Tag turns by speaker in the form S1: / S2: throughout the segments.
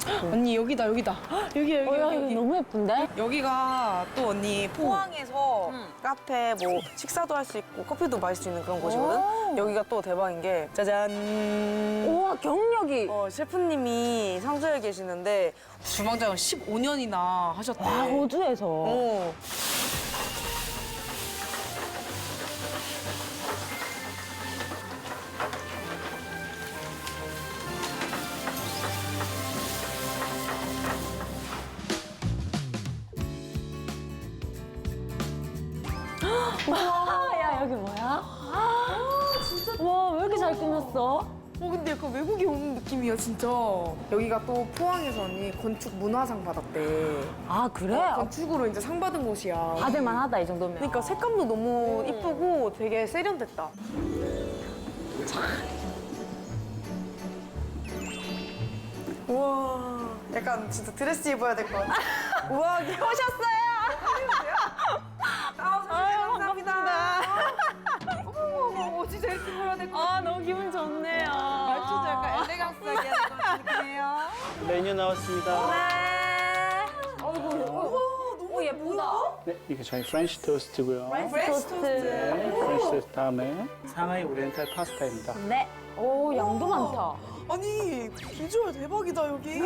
S1: 언니 여기다 여기다. 여기 여기
S2: 야,
S1: 여기.
S2: 이거 너무 예쁜데?
S3: 여기가 또 언니 포항에서 카페 뭐 식사도 할 수 있고 커피도 마실 수 있는 그런 곳이거든. 여기가 또 대박인 게 짜잔.
S2: 우와, 경력이.
S3: 셰프님이 상주에 계시는데 주방장을 15년이나 하셨대.
S2: 와, 호주에서.
S3: 어.
S2: 와, 야, 여기 뭐야? 진짜. 와, 왜 이렇게 잘 꾸몄어?
S1: 근데 약간 외국에 오는 느낌이야 진짜. 여기가 또 포항에서 언니 건축 문화상 받았대.
S2: 아, 그래?
S1: 건축으로 이제 상 받은 곳이야.
S2: 받을만 하다, 이 정도면.
S3: 그러니까 색감도 너무 이쁘고 되게 세련됐다. 우와, 약간 진짜 드레스 입어야 될 것 같아. 우와, 오셨어요? 감사합니다. 어머, 진짜 이렇게 입어야 될 것 같아.
S2: 아, 너무 기분 좋네요.
S3: 말투도 약간 엘레강스하게 하는 것 느낌이에요.
S4: 메뉴 나왔습니다.
S2: 너무 예쁘다.
S4: 네, 이게 저희 프렌치 토스트고요.
S2: 토스트.
S4: 네, 프렌치 토스트 다음에 상하이 오리엔탈 파스타입니다.
S2: 네. 오, 양도 많다.
S3: 아니, 비주얼 대박이다, 여기.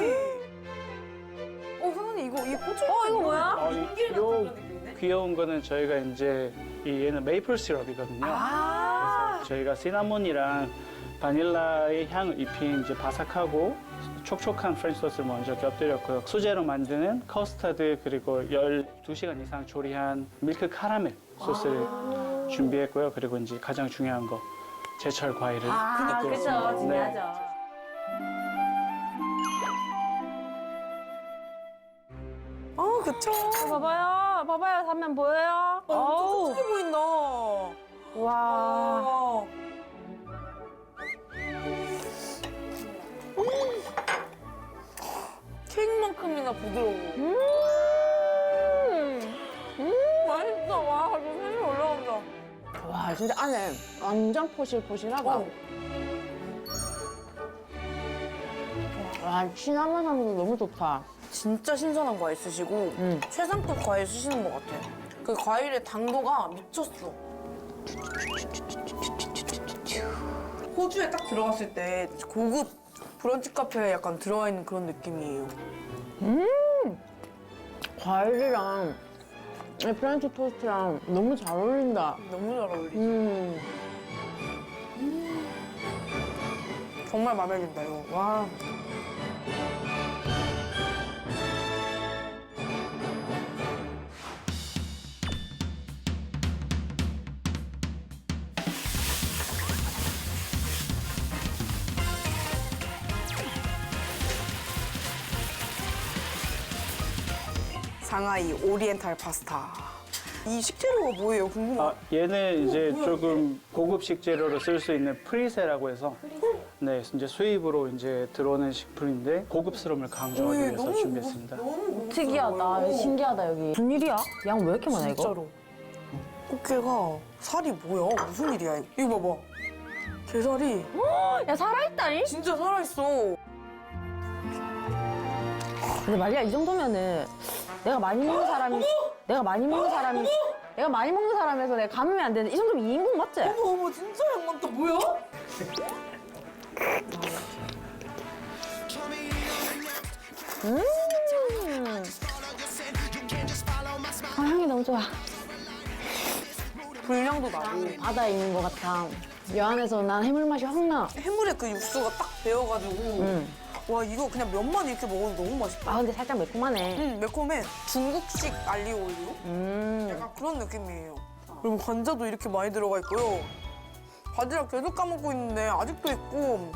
S3: 사장님, 이거 고추.
S2: 이거 뭐야?
S4: 요 귀여운 거는 저희가 이제 얘는 메이플 시럽이거든요. 그래서 저희가 시나몬이랑 바닐라의 향을 입힌 이제 바삭하고 촉촉한 프렌치 소스를 먼저 곁들였고요. 수제로 만드는 커스터드 그리고 12시간 이상 조리한 밀크 카라멜 소스를 준비했고요. 그리고 이제 가장 중요한 거 제철 과일을
S2: 그죠.
S4: 곁들였습니다.
S2: 중요하죠.
S3: 그쵸.
S2: 봐봐요. 봐봐요. 사면 보여요? 어우.
S3: 촉촉해 보인다.
S2: 와.
S3: 와. 케이크만큼이나 부드러워. 맛있다. 와, 지금 햄이 올라온다.
S2: 와, 진짜 안에 완전 포실포실하다. 와, 시나몬 향도 너무 좋다.
S3: 진짜 신선한 과일 쓰시고 최상급 과일 쓰시는 것 같아. 그 과일의 당도가 미쳤어. 호주에 딱 들어갔을 때 고급 브런치 카페에 약간 들어와 있는 그런 느낌이에요.
S2: 과일이랑 이 프렌치 토스트랑 너무 잘 어울린다.
S3: 너무 잘 어울리지. 정말 마음에 든다, 이거. 와. 상하이 오리엔탈 파스타. 이 식재료가 뭐예요? 궁금해.
S4: 얘는 이제 조금 고급 식재료로 쓸 수 있는 프리세라고 해서 네, 이제 수입으로 이제 들어오는 식품인데 고급스러움을 강조하기
S3: 오,
S4: 위해서
S3: 너무
S4: 준비했습니다.
S3: 너무
S2: 특이하다. 신기하다, 여기. 무슨 일이야? 양 왜 이렇게 많아, 이거?
S3: 진짜로. 꽃게가 살이 뭐야? 무슨 일이야? 이거 봐봐. 게살이
S2: 야, 살아있다니?
S3: 진짜 살아있어.
S2: 근데 말이야, 이 정도면은 내가 많이 먹는 사람이, 내가 많이 먹는 사람에서 내가 감으면 안 되는데 이 정도면 2인분 맞지?
S3: 어머, 진짜 양 많다. 뭐야?
S2: 향이 너무 좋아.
S3: 불량도 나고.
S2: 바다에 있는 것 같아. 여 안에서 난 해물 맛이 확 나.
S3: 해물에 그 육수가 딱 배어가지고. 와, 이거 그냥 면만 이렇게 먹어도 너무 맛있다.
S2: 아, 근데 살짝 매콤하네.
S3: 매콤해. 중국식 알리오 올리오? 약간 그런 느낌이에요. 그리고 관자도 이렇게 많이 들어가 있고요. 바지락 계속 까먹고 있는데 아직도 있고.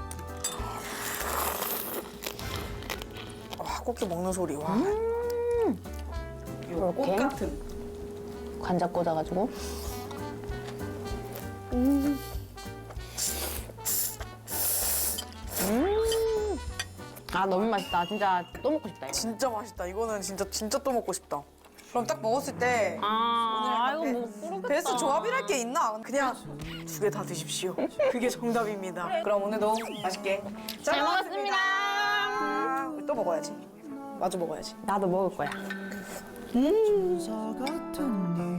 S3: 와, 꽃게 먹는 소리. 와.
S2: 이렇게
S3: 꽃 같은.
S2: 관자 꽂아가지고. 아, 너무 맛있다. 진짜 또 먹고 싶다, 이거.
S3: 진짜 맛있다. 이거는 진짜 또 먹고 싶다. 그럼 딱 먹었을 때
S2: 아이고, 뭐, 모르겠다.
S3: 베스트 조합이랄 게 있나? 그냥 2개 다 드십시오. 그게 정답입니다. 그럼 오늘도 맛있게
S2: 잘 먹었습니다.
S3: 또 이거 먹어야지. 마저 먹어야지.
S2: 나도 먹을 거야.
S5: 같은